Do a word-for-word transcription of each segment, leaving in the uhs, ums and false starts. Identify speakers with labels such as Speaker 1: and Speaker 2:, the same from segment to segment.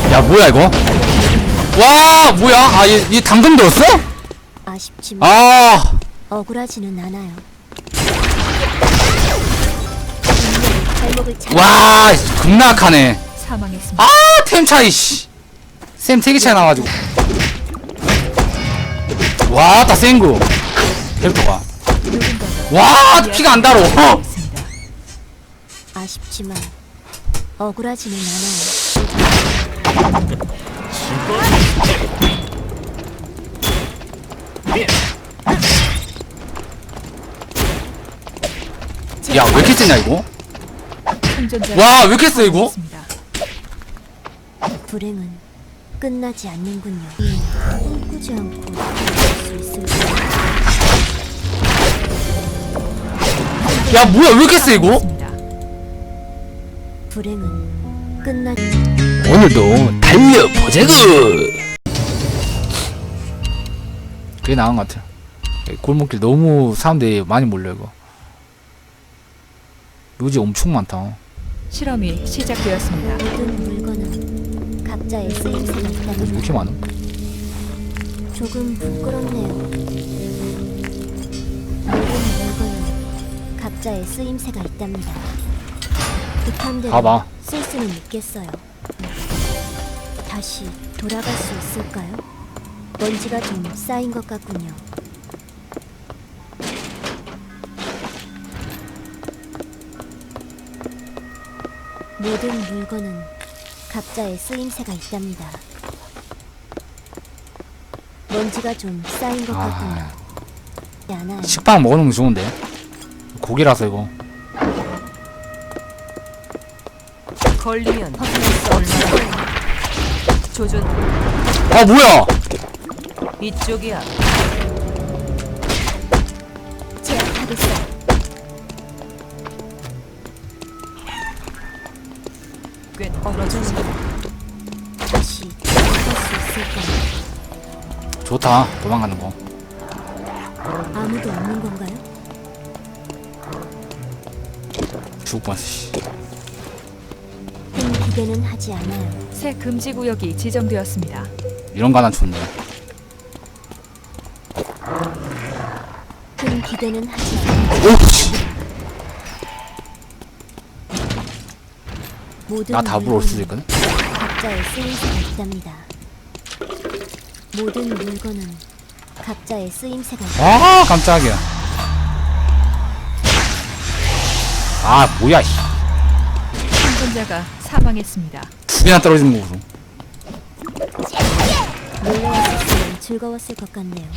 Speaker 1: 야 뭐야 이거? 와 뭐야? 아 얘 얘 당근 들었어?
Speaker 2: 아쉽지만
Speaker 1: 아
Speaker 2: 억울하지는 않아요. 분명히 발목을 잡.
Speaker 1: 와 겁나 약하네.
Speaker 3: 사망했습니다.
Speaker 1: 아 템 차이 씨. 쌤 세 개 차이 나가지고. 와다 센거 캐릭터가. 와 피가 안 달어.
Speaker 3: 있습니다.
Speaker 2: 아쉽지만 억울하지는 않아요.
Speaker 1: 야 왜 이렇게 세냐 이거?
Speaker 3: 생존자가
Speaker 1: 와 왜 이렇게 세 이거?
Speaker 3: 사망했습니다.
Speaker 2: 불행은 끝나지 않는군요. 꿈꾸지 않고 살수 있을까요?
Speaker 1: 야 뭐야 왜 이렇게 세 이거?
Speaker 3: 사망했습니다.
Speaker 2: 불행은 끝나지.
Speaker 1: 오늘도 달려보자구. 그게 나은 것 같아. 골목길 너무 사람들이 많이 몰려 이거. 요지 엄청 많다.
Speaker 3: 실험이 시작되었습니다.
Speaker 2: 모든 물건은 각자의 쓰임새가
Speaker 1: 왜
Speaker 2: 있다면
Speaker 1: 이렇게 많아?
Speaker 2: 조금 부끄럽네요. 모든 물건은 각자의 쓰임새가 있답니다. 급한 대로
Speaker 1: 봐봐.
Speaker 2: 쓸 수는 있겠어요. 다시 돌아갈 수 있을까요? 먼지가 좀 쌓인 것 같군요. 모든 물건은 각자의 쓰임새가 있답니다. 먼지가 좀 쌓인 것
Speaker 1: 아.
Speaker 2: 같군요. 않아요.
Speaker 1: 식빵 먹어놓으면 좋은데. 고기라서 이거.
Speaker 3: 걸리면
Speaker 2: 벗어날 수 없을 거예요.
Speaker 3: 조준.
Speaker 1: 아 뭐야?
Speaker 3: 이쪽이야.
Speaker 2: 제압하겠어요.
Speaker 3: 꽤 떨어졌습니다.
Speaker 2: 다시 돌아갈 수 있을까요?
Speaker 1: 좋다. 도망가는 거.
Speaker 2: 아무도 없는 건가요?
Speaker 1: 죽을 뻔했어. 씨.
Speaker 2: 큰 기대는 하지 않아요.
Speaker 3: 새 금지 구역이 지정되었습니다.
Speaker 1: 이런 거 하나 좋네.
Speaker 2: 큰 기대는 하지 않아요.
Speaker 1: 오씨.
Speaker 2: 모든
Speaker 1: 나 답으로 올 수도
Speaker 2: 물건은
Speaker 1: 있거든.
Speaker 2: 각자의 쓰임새가 있답니다. 모든 물건은 각자의 쓰임새가 있답니다.
Speaker 1: 아 깜짝이야. 아 뭐야 씨.
Speaker 3: 생존자가 사망했습니다.
Speaker 1: 두 개나 떨어지는 거고.
Speaker 2: 놀러 왔었으면 즐거웠을 것 같네요.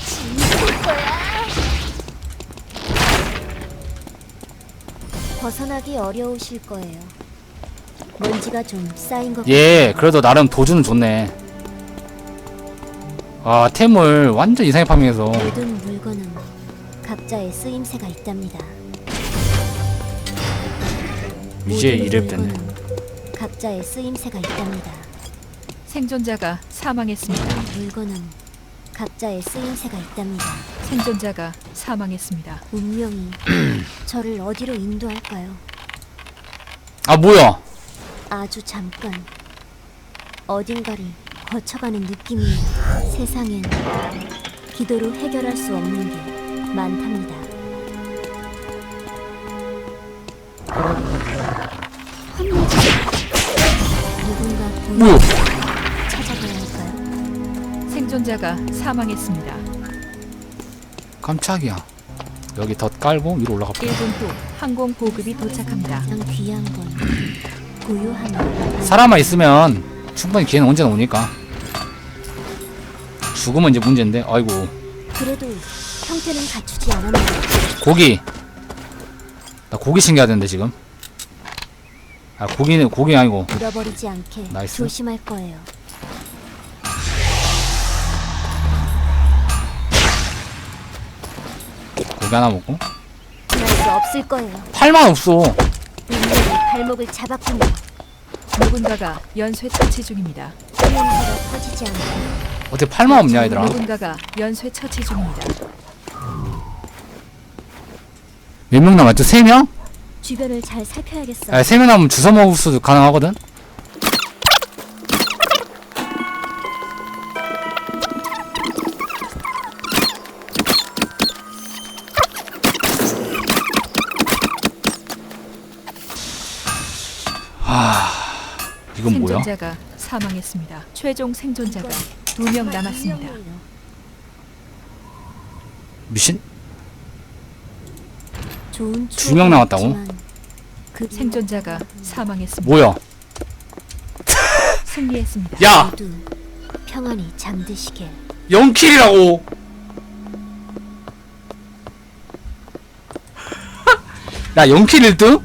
Speaker 2: 벗어나기 어려우실 거예요. 먼지가 좀 쌓인 것
Speaker 1: 예 그래도 나름 도주는 좋네. 아 템을 완전 이상하게 파밍해서.
Speaker 2: 모든 물건은 각자의 쓰임새가 있답니다.
Speaker 1: 이제
Speaker 2: 모든
Speaker 1: 이랩 됐네.
Speaker 2: 물건은 각자의 쓰임새가 있답니다.
Speaker 3: 생존자가 사망했습니다.
Speaker 2: 물건은 각자의 쓰임새가 있답니다.
Speaker 3: 생존자가 사망했습니다.
Speaker 2: 운명이 저를 어디로 인도할까요?
Speaker 1: 아 뭐야?
Speaker 2: 아주 잠깐 어딘가를 거쳐가는 느낌이에요. 세상엔 기도로 해결할 수 없는 게 많답니다. 누군가
Speaker 1: 뭐야?
Speaker 2: 본인을 찾아가야 할까요?
Speaker 3: 생존자가 사망했습니다.
Speaker 1: 깜짝이야. 여기 덧 깔고 위로 올라가 봐.
Speaker 3: 일 분 후 항공 보급이 도착합니다.
Speaker 2: 가장 귀한 건 고요함이
Speaker 1: 사람만 있으면 충분히 기회는 언제나 오니까. 죽으면 이제 문제인데. 아이고.
Speaker 2: 그래도 형태는 갖추지 않았네요.
Speaker 1: 고기. 나 고기 챙겨야 되는데 지금. 아 고기는 고기 아니고.
Speaker 2: 잃어버리지 않게
Speaker 1: 나이스.
Speaker 2: 조심할 거예요.
Speaker 1: 고기 하나 먹고.
Speaker 2: 그럴 수 없을 거예요.
Speaker 1: 팔만 없어.
Speaker 2: 운명이 발목을 잡았군요.
Speaker 3: 누군가가 연쇄 처치 중입니다.
Speaker 2: 냄새가 퍼지지 않고
Speaker 1: 어떻게 팔만 없냐 얘들아.
Speaker 3: 누군가가 연쇄 처치 중입니다.
Speaker 1: 몇 명 남았죠? 세 명?
Speaker 2: 주변을 잘 살펴야겠어요.
Speaker 1: 아, 세 명 남으면 주워 먹을 수도 가능하거든. 이건 뭐야?
Speaker 3: 생존자가 사망했습니다. 최종 생존자가 두 명 남았습니다.
Speaker 1: 미신?
Speaker 2: 좋은
Speaker 1: 두명 남았다고?
Speaker 2: 추억은 있지만 그
Speaker 3: 생존자가 사망했습니다.
Speaker 1: 뭐야?
Speaker 3: 승리했습니다.
Speaker 1: 야!
Speaker 2: 모두 평안히 잠드시게.
Speaker 1: 영 킬이라고! 야, 영 킬 일 등?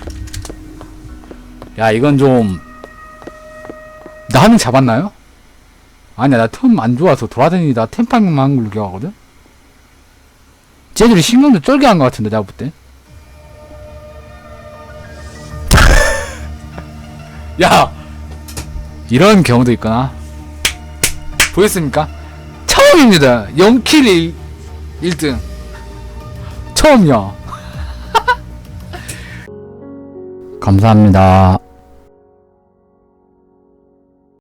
Speaker 1: 야, 이건 좀... 나 한 명 잡았나요? 아니야, 나 템 안 좋아서 돌아다니다 템파밍만 한 걸로 기억하거든? 쟤들이 신경도 쩔게 한 것 같은데, 내가 볼 때. 야! 이런 경우도 있구나. 보였습니까? 처음입니다. 영 킬 일 등. 처음이야. 감사합니다.